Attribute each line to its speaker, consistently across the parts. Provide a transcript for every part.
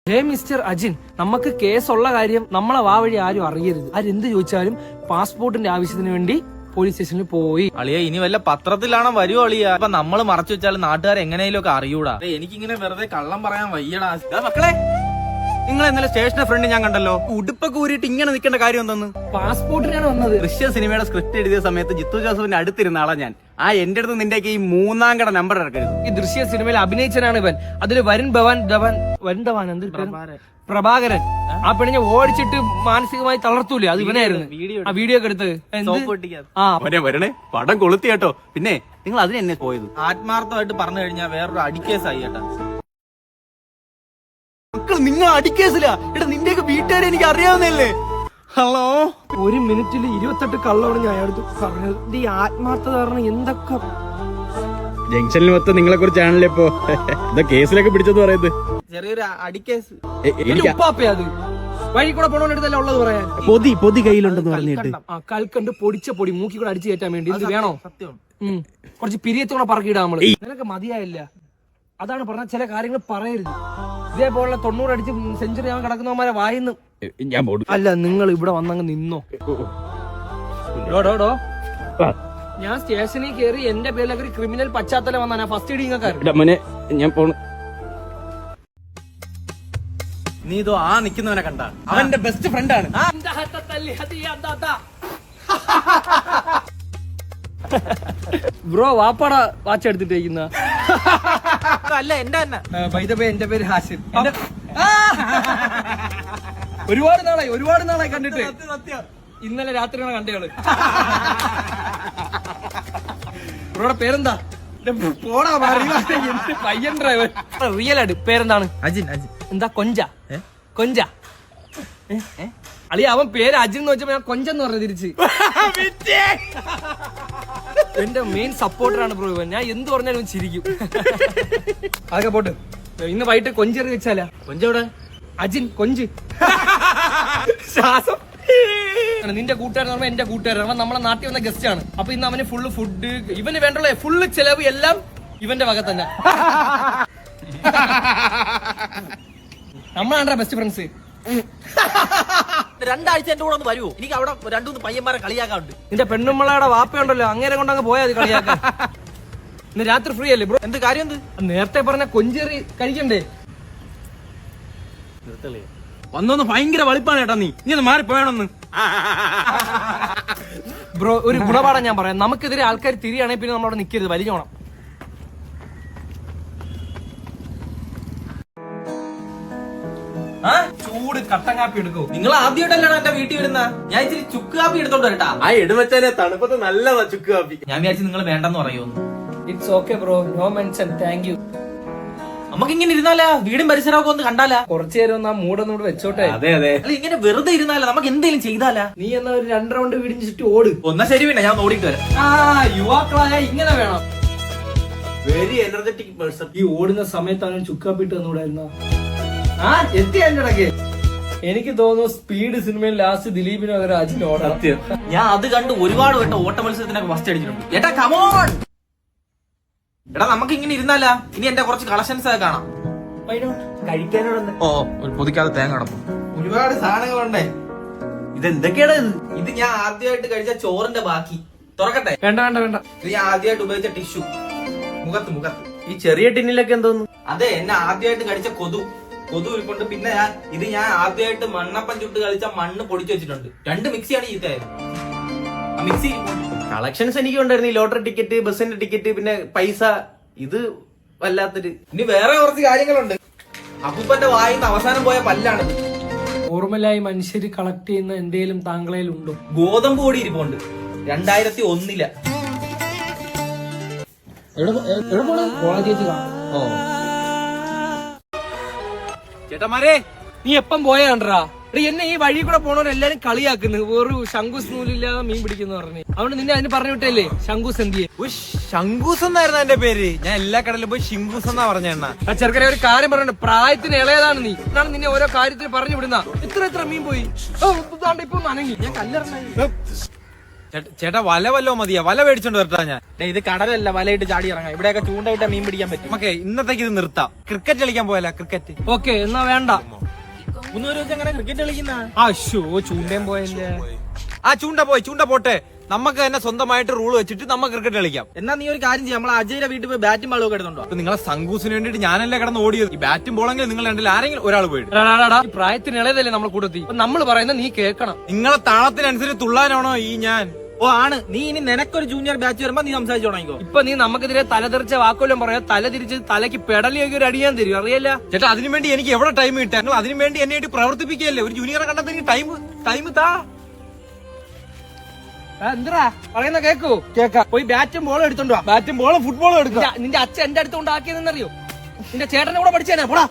Speaker 1: Hey mister Ajin, നമുക്ക് കേസുള്ള കാര്യം നമ്മളെ വാ വഴി ആരും അറിയരുത്. ആരെന്ത് ചോദിച്ചാലും പാസ്പോർട്ടിന്റെ ആവശ്യത്തിന് വേണ്ടി പോലീസ് സ്റ്റേഷനിൽ പോയി.
Speaker 2: അളിയ ഇനി വല്ല പത്രത്തിലാണോ വരുവോ അളിയ? അപ്പൊ നമ്മള് മറച്ചു വെച്ചാൽ നാട്ടുകാർ എങ്ങനെയും ഒക്കെ അറിയൂടാ. എനിക്കിങ്ങനെ വെറുതെ കള്ളം പറയാൻ വയ്യടാ.
Speaker 3: മക്കളെ, നിങ്ങൾ ഇന്നലെ സ്റ്റേഷന്റെ ഫ്രണ്ട് ഞാൻ കണ്ടല്ലോ, ഉടുപ്പൊക്കെ ഊരിയിട്ട് ഇങ്ങനെ നിൽക്കേണ്ട കാര്യം എന്തെന്ന്?
Speaker 1: പാസ്പോർട്ടിനാണ് വന്നത്.
Speaker 3: ദൃശ്യ സിനിമയുടെ സ്ക്രിപ്റ്റ് എഴുതിയ സമയത്ത് ജിത്തു ജോസഫിന്റെ അടുത്തിരുന്ന ആളാ ഞാൻ. എന്റെ അടുത്ത് നിന്റെ ഈ 3-ാം കട നമ്പർ ഇറക്കരുത്.
Speaker 1: ഈ ദൃശ്യ സിനിമയിൽ അഭിനയിച്ചനാണ് ഇവൻ. അതില് വരുൺ ധവാൻ പ്രഭാകരൻ ആ പെണ്ണിനെ ഓടിച്ചിട്ട് മാനസികമായി തളർത്തൂലേ, അത് ഇവനായിരുന്നു. ആ വീഡിയോ ഒക്കെ എടുത്ത്
Speaker 3: വരണേ പടം കൊളുത്തി കേട്ടോ. പിന്നെ നിങ്ങൾ അതിന് എന്നെ പോയത്
Speaker 2: ആത്മാർത്ഥമായിട്ട് പറഞ്ഞു കഴിഞ്ഞാൽ വേറൊരു അടിക്കേസായി കേട്ടാ.
Speaker 3: മക്കൾ, നിങ്ങൾ അടിക്കേസില്ല. എടാ, നിന്റെയൊക്കെ വീട്ടുകാരെ എനിക്ക് അറിയാവുന്നല്ലേ. ഹലോ,
Speaker 1: 1 മിനിറ്റിൽ 28 കള്ളമാണ് ഞാൻ അയാളടുത്ത് പറഞ്ഞത്. ഈ ആത്മാർത്ഥത കാരണം എന്തൊക്കെ
Speaker 3: ജംഗ്ഷനിൽ മൊത്തം നിങ്ങളെ കുറിച്ചാണല്ലോ ഇപ്പൊ എന്താ കേസിലൊക്കെ പിടിച്ചെന്ന് പറയുന്നത്.
Speaker 2: ചെറിയൊരു അടിക്കേസ്.
Speaker 1: ഉപ്പാപ്പേ, അത് വഴി കൂടെ പോണോണ്ടല്ലേ ഉള്ളത് പറയാൻ.
Speaker 3: പൊതി കയ്യിലുണ്ടെന്ന് പറഞ്ഞിട്ട്
Speaker 1: കൽക്കണ്ട് പൊടിച്ച പൊടി മൂക്കി കൂടെ അടിച്ചു കയറ്റാൻ വേണ്ടി ഇത് വേണോ?
Speaker 2: സത്യം.
Speaker 1: കുറച്ച് പിരിയത്തോടെ പറക്കിയിടാ നമ്മള്. നിനക്ക് മതിയായില്ല. അതാണ് പറഞ്ഞ ചില കാര്യങ്ങൾ പറയരുത്. ഇതേപോലെ 90 അടിച്ച് സെഞ്ചുറി ആവാൻ കിടക്കുന്നവന്മാരെ വായിന്ന്
Speaker 3: ഞാൻ
Speaker 1: അല്ല. നിങ്ങൾ ഇവിടെ വന്നങ്ങ് നിന്നോ. ഞാൻ സ്റ്റേഷനിൽ കയറി എന്റെ പേരിലൊക്കെ ഒരു ക്രിമിനൽ പശ്ചാത്തലം വന്നാ ഫസ്റ്റ് എയ്ഡ് ഇങ്ങക്കാര്.
Speaker 3: ഞാൻ പോണു. നീ ഇതോ ആ നിക്കുന്നവനെ കണ്ട, അവന്റെ ബെസ്റ്റ് ഫ്രണ്ടാണ്.
Speaker 1: ബ്രോ വാപ്പാടാ വാച്ച് എടുത്തിട്ടേക്കുന്ന.
Speaker 2: അല്ല എന്റെ തന്നെ.
Speaker 1: എന്റെ പേര് ഹാഷിർ. ഒരുപാട് നാളായി കണ്ടിട്ട്. ഇന്നലെ രാത്രിയാണ് കണ്ടയാള്. ബ്രോയുടെ പേരെന്താ? പോടാ പയ്യൻ ഡ്രൈവർ. റിയൽ ആയിട്ട് പേരെന്താണ്?
Speaker 2: അജിൻ.
Speaker 1: എന്താ കൊഞ്ച അളിയ? അവൻ പേര് അജിൻ എന്ന് വെച്ചപ്പോ ഞാൻ കൊഞ്ചെന്ന് പറഞ്ഞു തിരിച്ച്. എന്റെ മെയിൻ സപ്പോർട്ടറാണ് ബ്രോ ഇവൻ. ഞാൻ എന്ത് പറഞ്ഞാലും ചിരിക്കും. അതൊക്കെ പോട്ട്. ഇന്ന് വൈകിട്ട് കൊഞ്ചെറി വെച്ചാലാ.
Speaker 2: കൊഞ്ചവിടെ?
Speaker 1: അജിൻ കൊഞ്ച്. ശ്വാസം. നിന്റെ കൂട്ടുകാരൻ പറഞ്ഞാൽ എന്റെ കൂട്ടുകാരൻ. അവൻ നമ്മളെ നാട്ടിൽ വന്ന ഗസ്റ്റ് ആണ്. അപ്പൊ ഇന്ന് അവന് ഫുള്ള് ഫുഡ്, ഇവന് വേണ്ടുള്ള ഫുള്ള് ചെലവ് എല്ലാം ഇവന്റെ വക തന്നെ. നമ്മളാണ്ടാ ബെസ്റ്റ് ഫ്രണ്ട്സ്.
Speaker 2: 2 ആഴ്ച എന്റെ കൂടെ ഒന്ന് വരുമോ? എനിക്ക് അവിടെ 2-3 പയ്യന്മാരെ കളിയാക്കാറുണ്ട്.
Speaker 1: നിന്റെ പെണ്ണുമ്മളയുടെ വാപ്പയുണ്ടല്ലോ, അങ്ങനെ കൊണ്ടങ്ങ് പോയാൽ അത് കളിയാക്കാൻ. ഇന്ന് രാത്രി ഫ്രീ അല്ലേ ബ്രോ?
Speaker 2: എന്ത് കാര്യം?
Speaker 1: നേരത്തെ പറഞ്ഞ കൊഞ്ചേറി കഴിക്കണ്ടേ?
Speaker 3: വന്നൊന്ന് ഭയങ്കര വളിപ്പാണ് കേട്ടാ. നീ ഒന്ന് മാറിപ്പോയണമെന്ന്.
Speaker 1: ബ്രോ ഒരു ഗുണപാഠം ഞാൻ പറയാം. നമുക്കെതിരെ ആൾക്കാർ തിരിയാണെങ്കിൽ പിന്നെ നമ്മളവിടെ നിൽക്കരുത്, വലിഞ്ഞോണം. ചൂട് കട്ടൻ കാപ്പി എടുക്കൂ.
Speaker 2: നിങ്ങൾ ആദ്യമായിട്ടല്ലാണ് എന്റെ വീട്ടിൽ വരുന്ന. ഞാൻ ഇച്ചിരി ചുക്ക് കാപ്പി എടുത്തോണ്ട് വരട്ടാ.
Speaker 3: എടുവച്ചാലേ തണുപ്പത്ത് നല്ലതാ ചുക്ക് കാപ്പി.
Speaker 2: ഞാൻ വിചാരിച്ചു നിങ്ങൾ വേണ്ടെന്ന് പറയുമെന്ന്.
Speaker 1: It's okay bro, no mention, thank you.
Speaker 2: നമുക്ക് ഇങ്ങനെ ഇരുന്നാലാ? വീടും പരിസരമൊക്കെ ഒന്ന് കണ്ടാലാ?
Speaker 1: കുറച്ചു നേരം ഒന്ന് ആ മൂടൊന്നും കൂടെ വെച്ചോട്ടെ.
Speaker 3: അതെ.
Speaker 2: അല്ല, ഇങ്ങനെ വെറുതെ ഇരുന്നാലാ? നമുക്ക് എന്തെങ്കിലും ചെയ്താലാ?
Speaker 1: നീ എന്നാ ഒരു 2 റൗണ്ട് വീടിന് ചുറ്റും ഓട്.
Speaker 2: ഒന്നാ ശരി, പിന്നെ ഞാൻ ഓടിയിട്ട് വരാം.
Speaker 1: യുവാക്കളായ ഇങ്ങനെ വേണം.
Speaker 3: Very energetic person.
Speaker 1: ഈ ഓടുന്ന സമയത്താണ് ചുക്കാപ്പിട്ട് തന്നൂടായിരുന്നോ? എത്തി എന്റെ ഇടയ്ക്ക്. എനിക്ക് തോന്നുന്നു സ്പീഡ് സിനിമയിൽ ലാസ്റ്റ് ദിലീപിന് പകരം അജിന് ഓടണം.
Speaker 2: ഞാൻ അത് കണ്ട് ഒരുപാട് വട്ടം ഓട്ട മത്സരത്തിനൊക്കെ ഫസ്റ്റ് അടിച്ചിട്ടുണ്ട്. ഏട്ടാ കമോൺ. എടാ നമുക്ക് ഇങ്ങനെ ഇരുന്നാലാ? ഇനി എന്റെ കുറച്ച് കളക്ഷൻസ് ഒക്കെ കാണാം.
Speaker 1: കഴിക്കാനോട്
Speaker 2: ഒരു പൊതിക്കാതെ തേങ്ങ അടപ്പം. ഒരുപാട് സാധനങ്ങളുണ്ടേ.
Speaker 3: ഇതെന്തൊക്കെയാണ് ഇത്?
Speaker 2: ഇത് ഞാൻ ആദ്യമായിട്ട് കഴിച്ച ചോറിന്റെ ബാക്കി. തുറക്കട്ടെ?
Speaker 1: വേണ്ട.
Speaker 2: ഇത് ഞാൻ ആദ്യമായിട്ട് ഉപയോഗിച്ച ടിഷ്യൂ. മുഖത്ത്
Speaker 3: ഈ ചെറിയ ടിന്നിലൊക്കെ എന്തോന്നു?
Speaker 2: അതെ, എന്നെ ആദ്യമായിട്ട് കഴിച്ച കൊതു ഇരിപ്പുണ്ട്. പിന്നെ ഞാൻ ആദ്യമായിട്ട് മണ്ണപ്പം ചുട്ട് കളിച്ച മണ്ണ് പൊടിച്ചു വെച്ചിട്ടുണ്ട്. 2 മിക്സിയാണ് ചീത്തയായത്. മിക്സി
Speaker 3: കളക്ഷൻസ് എനിക്ക് ഉണ്ടായിരുന്നു. ഈ ലോട്ടറി ടിക്കറ്റ്, ബസ്സിന്റെ ടിക്കറ്റ്, പിന്നെ പൈസ. ഇത് വല്ലാത്തൊരു.
Speaker 2: ഇനി വേറെ കുറച്ച് കാര്യങ്ങളുണ്ട്. അപ്പൂപ്പന്റെ വായിന്ന് അവസാനം പോയ പല്ലാണ്.
Speaker 1: നോർമലായി മനുഷ്യര് കളക്ട് ചെയ്യുന്ന എന്തേലും താങ്കളയിലുണ്ടോ?
Speaker 2: ഗോതമ്പ് പൊടി ഇരിപ്പുണ്ട്. 2001
Speaker 1: കോളേജ്.
Speaker 3: ചേട്ടന്മാരെ,
Speaker 1: നീ എപ്പം പോയാണ്ടാ? എന്നെ ഈ വഴി കൂടെ പോണവരെല്ലാരും കളിയാക്കുന്നു. ഒരു ശങ്കൂസ് നൂലില്ലാതെ മീൻ പിടിക്കുന്ന പറഞ്ഞു. അതുകൊണ്ട് നിന്നെ അതിന് പറഞ്ഞു വിട്ടല്ലേ ശങ്കൂസ് എന്തിയെ?
Speaker 3: ശങ്കൂസ് എന്നായിരുന്നു എന്റെ പേര്. ഞാൻ എല്ലാ കടലിലും പോയി ശിങ്കൂസ് എന്നാ പറഞ്ഞ.
Speaker 1: ആ ചെറുക്കനെ ഒരു കാര്യം പറഞ്ഞു, പ്രായത്തിന് ഇളയതാണ് നീ. എന്നാണ് നിന്നെ ഓരോ കാര്യത്തിന് പറഞ്ഞു വിടുന്ന. എത്ര മീൻ പോയി. ഇപ്പൊ നനങ്ങി. ഞാൻ കല്ലെറിഞ്ഞ.
Speaker 3: ചേട്ടാ വല വല്ലോ മതിയാ? വല മേടിച്ചോണ്ട് വരട്ടാ ഞാൻ.
Speaker 2: ഇത് കടലല്ല, വലയിട്ട് ചാടി ഇറങ്ങാം. ഇവിടെയൊക്കെ ചൂണ്ടയിട്ട് മീൻ പിടിക്കാൻ പറ്റും.
Speaker 3: നമുക്ക് ഇന്നത്തേക്ക് ഇത് നിർത്താം. ക്രിക്കറ്റ് കളിക്കാൻ പോയല്ല. ക്രിക്കറ്റ്
Speaker 1: ഓക്കെ എന്നാ വേണ്ട.
Speaker 2: 3 പേര് വെച്ച് അങ്ങനെ ക്രിക്കറ്റ് കളിക്കുന്ന
Speaker 1: അശോ ചൂണ്ടയും പോയല്ലേ.
Speaker 3: ആ ചൂണ്ട പോട്ടെ, നമുക്ക് തന്നെ സ്വന്തമായിട്ട് റൂൾ വെച്ചിട്ട് നമുക്ക് ക്രിക്കറ്റ് കളിക്കാം.
Speaker 2: എന്നാ നീ ഒരു കാര്യം ചെയ്യാം, നമ്മളെ അജയുടെ വീട്ടിൽ പോയി ബാറ്റും ബോളും ഒക്കെ എടുത്തോണ്ടോ.
Speaker 3: അപ്പൊ നിങ്ങളെ സംഘൂസിന് വേണ്ടിട്ട് ഞാനല്ലേ കിടന്ന് ഓടിയത്. ഈ ബാറ്റും ബോളെങ്കിലും നിങ്ങൾ രണ്ടിൽ ആരെങ്കിലും ഒരാൾ പോയിട്ട്.
Speaker 1: ഈ പ്രായത്തിന് ഇളയതല്ലേ നമ്മൾ കൂട്ടത്തി. നമ്മൾ പറയുന്നത് നീ കേൾക്കണം.
Speaker 3: നിങ്ങളെ താളത്തിനനുസരിച്ച് തുള്ളാനാണോ ഈ ഞാൻ?
Speaker 2: ഓ ആണ്. നീ ഇനി നിനക്കൊരു ജൂനിയർ ബാച്ച് വരുമ്പോ നീ സംസാരിച്ചു തുടങ്ങിക്കോ.
Speaker 1: ഇപ്പൊ നീ നമുക്കെതിരെ തലതെറിച്ച വാക്കുകളും പറയാ, തല തിരിച്ച് തലയ്ക്ക് പെടലിയൊക്കെ ഒരു അടിയാൻ തരും, അറിയില്ല
Speaker 3: ചേട്ടാ. അതിനുവേണ്ടി എനിക്ക് എവിടെ ടൈം കിട്ടാ? നിങ്ങൾ അതിനുവേണ്ടി എന്നെ ആയിട്ട് പ്രവർത്തിപ്പിക്കുകയല്ലേ. ഒരു ജൂനിയറെ കണ്ടത് എനിക്ക് ടൈം താ.
Speaker 1: എന്താ പറയുന്ന കേക്കൂ? കേക്കാം. പോയി ബാറ്റും ബോളും എടുത്തോണ്ടോ.
Speaker 3: ബാറ്റും ബോളും ഫുട്ബോളും എടുക്കുക.
Speaker 1: നിന്റെ അച്ഛൻ എന്റെ അടുത്ത് കൊണ്ടാക്കിയതെന്നറിയോ? നിന്റെ ചേട്ടനെ കൂടെ പഠിച്ചേനെ. പോടാ.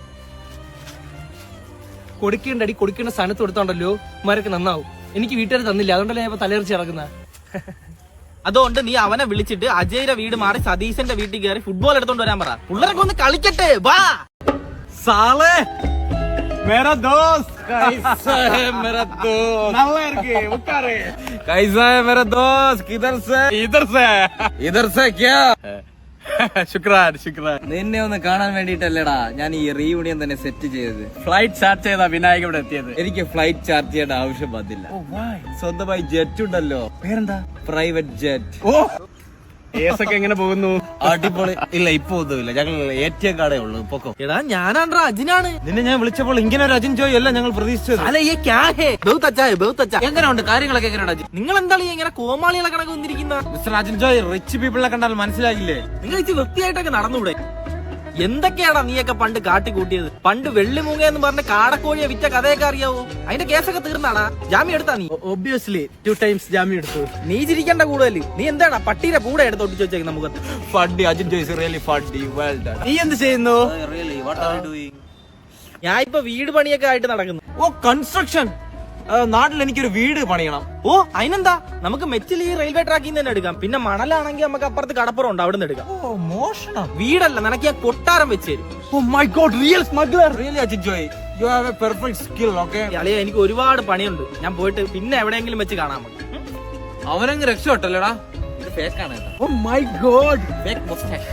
Speaker 1: കൊടുക്കേണ്ട സ്ഥാനത്ത് കൊടുത്തോണ്ടല്ലോ ഉമ്മാരൊക്കെ നന്നാവും. എനിക്ക് വീട്ടുകാർ തന്നില്ല, അതുകൊണ്ടല്ലേ ഞാൻ തലയെറിച്ച് കിടക്കുന്ന.
Speaker 2: അതുകൊണ്ട് നീ അവനെ വിളിച്ചിട്ട് അജയുടെ വീട് മാറി സതീശന്റെ വീട്ടിൽ കയറി ഫുട്ബോൾ എടുത്തോണ്ട് വരാൻ പറ. പിള്ളേരൊക്കെ ഒന്ന് കളിക്കട്ടെ. വാ
Speaker 3: സാലേ मेरा दोस्त कैसा है मेरा दोस्त? நல்லா இருக்கு உட்காரு. कैसा है मेरा दोस्त? किधर से इधर से क्या? ശുക്രാൻ.
Speaker 4: നിന്നെ ഒന്ന് കാണാൻ വേണ്ടിട്ടല്ലേടാ ഞാൻ ഈ റീയൂണിയൻ തന്നെ സെറ്റ് ചെയ്തത്.
Speaker 3: ഫ്ലൈറ്റ് ചാർജ് ചെയ്താ വിനായക ഇവിടെ എത്തിയത്.
Speaker 4: എനിക്ക് ഫ്ലൈറ്റ് ചാർജ് ചെയ്യേണ്ട ആവശ്യം വന്നില്ല. സ്വന്തമായി ജെറ്റ് ഉണ്ടല്ലോ.
Speaker 3: പേരെന്താ?
Speaker 4: Private jet.
Speaker 3: ഓ ഏസൊക്കെ എങ്ങനെ പോകുന്നു?
Speaker 4: അടിപൊളി. ഇല്ല ഇപ്പൊ ഒന്നുമില്ല, ഞങ്ങൾ ATM കാർഡേ ഉള്ളൂ. പൊക്കോ.
Speaker 2: എടാ ഞാനാണ്ട്രാ അജിനാണ്.
Speaker 3: നിന്നെ ഞാൻ വിളിച്ചപ്പോൾ ഇങ്ങനെ ഒരു അജിൻ ജോയ് അല്ല ഞങ്ങൾ പ്രതീക്ഷിച്ചത്.
Speaker 2: അല്ല ഈ ക്യാ ഹേ ബഹുത് അച്ഛാ ഹേ ബഹുത് അച്ഛാ.
Speaker 1: എങ്ങനെയുണ്ട് കാര്യങ്ങളൊക്കെ? എങ്ങനെയാണ്?
Speaker 2: നിങ്ങൾ എന്താണ് ഇങ്ങനെ കോമാളികളെ കണക്ക് വന്നിരിക്കുന്ന?
Speaker 3: മിസ്റ്റർ അജിൻ ജോയ്, റിച്ച് പീപ്പിളിനെ കണ്ടാൽ മനസ്സിലാകില്ലേ?
Speaker 2: നിങ്ങൾ ഇച്ചിരി വൃത്തിയായിട്ടൊക്കെ നടന്നൂടെ? എന്തൊക്കെയാടാ നീയൊക്കെ പണ്ട് കാട്ടിക്കൂട്ടിയത്? പണ്ട് വെള്ളിമൂങ്ങ എന്ന് പറഞ്ഞ കാടക്കോഴിയെ വിറ്റ കഥയൊക്കെ അറിയാവോ? അതിന്റെ കേസൊക്കെ തീർന്നാടാ? ജാമ്യം എടുത്താ നീ?
Speaker 3: ഒബ്വിയസ്ലി 2 times ജാമ്യം എടുത്തു.
Speaker 2: നീ ചിരിക്കേണ്ട കൂടുതൽ. നീ എന്താടാ പട്ടീരെ കൂടെ എടുത്ത് ഒട്ടിച്ചു വെച്ചേക്കുന്ന മുഖത്ത്?
Speaker 3: Fuddy Ajin Joy is really fuddy. Well done. നീ എന്ത് ചെയ്യുന്നു?
Speaker 4: Really, what are you doing?
Speaker 2: ഞാൻ ഇപ്പൊ വീട് പണിയൊക്കെ ആയിട്ട് നടക്കുന്നു.
Speaker 3: Oh construction. നാട്ടിൽ എനിക്കൊരു വീട് പണിയണം.
Speaker 2: ഓ അതിനെന്താ, നമുക്ക് മെച്ചിൽ ഈ റെയിൽവേ ട്രാക്കിൽ നിന്ന് തന്നെ എടുക്കാം. പിന്നെ മണലാണെങ്കിൽ നമുക്ക് അപ്പുറത്ത് കടപ്പുറം ഉണ്ട്, അവിടെ നിന്ന് എടുക്കാം.
Speaker 3: ഓ മോഷണം.
Speaker 2: വീടല്ല, നിനക്ക് ഞാൻ കൊട്ടാരം വെച്ച് തരും.
Speaker 3: Oh my God, real smuggler. Really Ajin Joy, you have a perfect skill. Okay
Speaker 2: അളിയ, എനിക്ക് ഒരുപാട് പണിയുണ്ട്. ഞാൻ പോയിട്ട് പിന്നെ എവിടെയെങ്കിലും വെച്ച് കാണാൻ നമുക്ക്.
Speaker 3: അവനങ്ങ് രക്ഷപ്പെട്ടല്ലേടാ.
Speaker 4: ഇത് ഫേക്ക് ആണ്.
Speaker 3: Oh my God,
Speaker 4: fake moustache.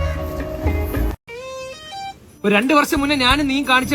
Speaker 1: ഒരു 2 വർഷം മുന്നേ ഞാനും നീ കാണിച്ച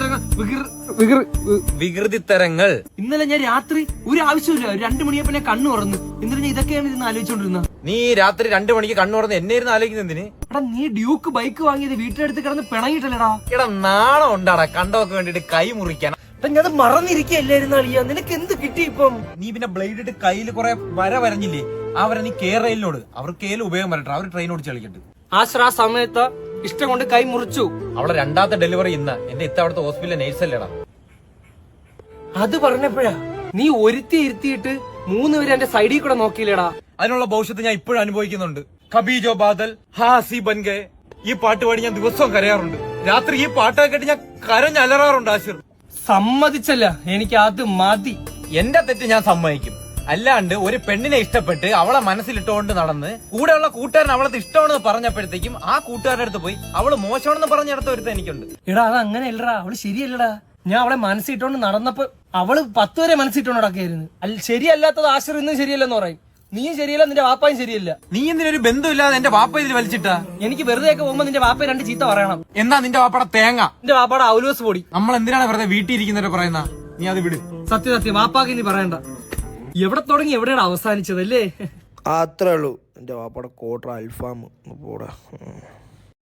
Speaker 3: വികൃതിത്തരങ്ങൾ.
Speaker 1: ഇന്നലെ ഞാൻ രാത്രി ഒരു ആവശ്യമില്ല 2 മണിയപ്പോ ഞാൻ കണ്ണു തുറന്നു. ഇന്നലെ ഞാൻ ഇതൊക്കെയാണ് ഇരുന്ന് ആലോചിച്ചോണ്ടിരുന്ന.
Speaker 3: നീ രാത്രി 2 മണിക്ക് കണ്ണു തുറന്ന് എന്നെ ഇരുന്ന് ആലോചിക്കുന്നത് എന്തിന്?
Speaker 1: എടാ നീ ഡ്യൂക്ക് ബൈക്ക് വാങ്ങിയത് വീട്ടിനടുത്ത് കിടന്ന് പിണങ്ങിയിട്ടല്ലേടാ?
Speaker 3: എടാ നാണം ഉണ്ടാടാ കണ്ടോക്ക് വേണ്ടിട്ട് കൈ മുറിക്കാൻ.
Speaker 1: ഞാൻ മറന്നിരിക്കല്ലായിരുന്നു അളിയ. നിനക്ക് എന്ത് കിട്ടി ഇപ്പം?
Speaker 3: നീ പിന്നെ ബ്ലേഡ് ഇട്ട് കയ്യിൽ കുറെ വര വരഞ്ഞില്ലേ? ആ വര നീ കേരളയിലോട്. അവർ കേരള ഉപയോഗം വരട്ടെ, അവർ ട്രെയിൻ ഓടിച്ച് കളിക്കട്ടെ.
Speaker 1: ആ സമയത്ത് ഇഷ്ടം കൊണ്ട് കൈ മുറിച്ചു.
Speaker 3: അവളെ 2ാമത്തെ ഡെലിവറി ഇന്ന്. എന്റെ അവിടുത്തെ ഹോസ്പിറ്റലിലെ നേഴ്സല്ലേടാ.
Speaker 1: അത് പറഞ്ഞപ്പോഴാ നീ ഒരുത്തി ഇരുത്തിയിട്ട് 3 പേര് എന്റെ സൈഡിൽ കൂടെ നോക്കിയില്ലേടാ.
Speaker 3: അതിനുള്ള ഭവിഷ്യത്ത് ഞാൻ ഇപ്പോഴും അനുഭവിക്കുന്നുണ്ട്. കബി ജോ ബാദൽ ഹാസി ബൻഗെ. ഈ പാട്ട് പാടി ഞാൻ ദിവസവും കരയാറുണ്ട്. രാത്രി ഈ പാട്ടൊക്കെ കേട്ട് ഞാൻ കരഞ്ഞലറാറുണ്ട്. ആശിർ
Speaker 1: സമ്മതിച്ചല്ല, എനിക്ക് അത് മതി.
Speaker 3: എന്റെ തെറ്റ് ഞാൻ സമ്മതിക്കും. അല്ലാണ്ട് ഒരു പെണ്ണിനെ ഇഷ്ടപ്പെട്ട് അവളെ മനസ്സിലിട്ടുകൊണ്ട് നടന്ന് കൂടെയുള്ള കൂട്ടുകാരൻ അവളത് ഇഷ്ടമാണെന്ന് പറഞ്ഞപ്പോഴത്തേക്കും ആ കൂട്ടുകാരുടെ അടുത്ത് പോയി അവള് മോശമാണെന്ന് പറഞ്ഞിടത്ത ഒരുത്ത എനിക്കുണ്ട്.
Speaker 1: എടാ അത് അങ്ങനെ അല്ലടാ, അവള് ശരിയല്ലടാ. ഞാൻ അവളെ മനസ്സിട്ടോണ്ട് നടന്നപ്പോ അവള് 10 വരെ മനസ്സിട്ടോണ്ട് നടക്കായിരുന്നു. ശരിയല്ലാത്തത് ആശ്ര ഇന്നും ശരിയല്ലെന്ന് പറയും. നീയും ശരിയല്ല, നിന്റെ വാപ്പായും ശരിയല്ല.
Speaker 3: നീ എന്തിനൊരു ബന്ധമില്ലാതെ എന്റെ വാപ്പ ഇതിൽ വലിച്ചിട്ടാ?
Speaker 1: എനിക്ക് വെറുതെ ഒക്കെ പോകുമ്പോ നിന്റെ വാപ്പ 2 ചീത്ത പറയണം.
Speaker 3: എന്നാ നിന്റെ വാപ്പയുടെ തേങ്ങ,
Speaker 1: നിന്റെ വാപ്പാടെ ഔലോസ് പൊടി.
Speaker 3: നമ്മൾ എന്തിനാണ് വെറുതെ വീട്ടിൽ ഇരിക്കുന്നവരെ പറയുന്ന? നീ അത് വിട്.
Speaker 1: സത്യം വാപ്പാക്ക് ഇനി പറയണ്ട. എവിടെ തുടങ്ങി എവിടെയാണ് അവസാനിച്ചതല്ലേ?
Speaker 5: അത്രേ ഉള്ളൂ. എൻ്റെ വാപ്പയുടെ കോട്ടർ അൽഫാം പോടാ.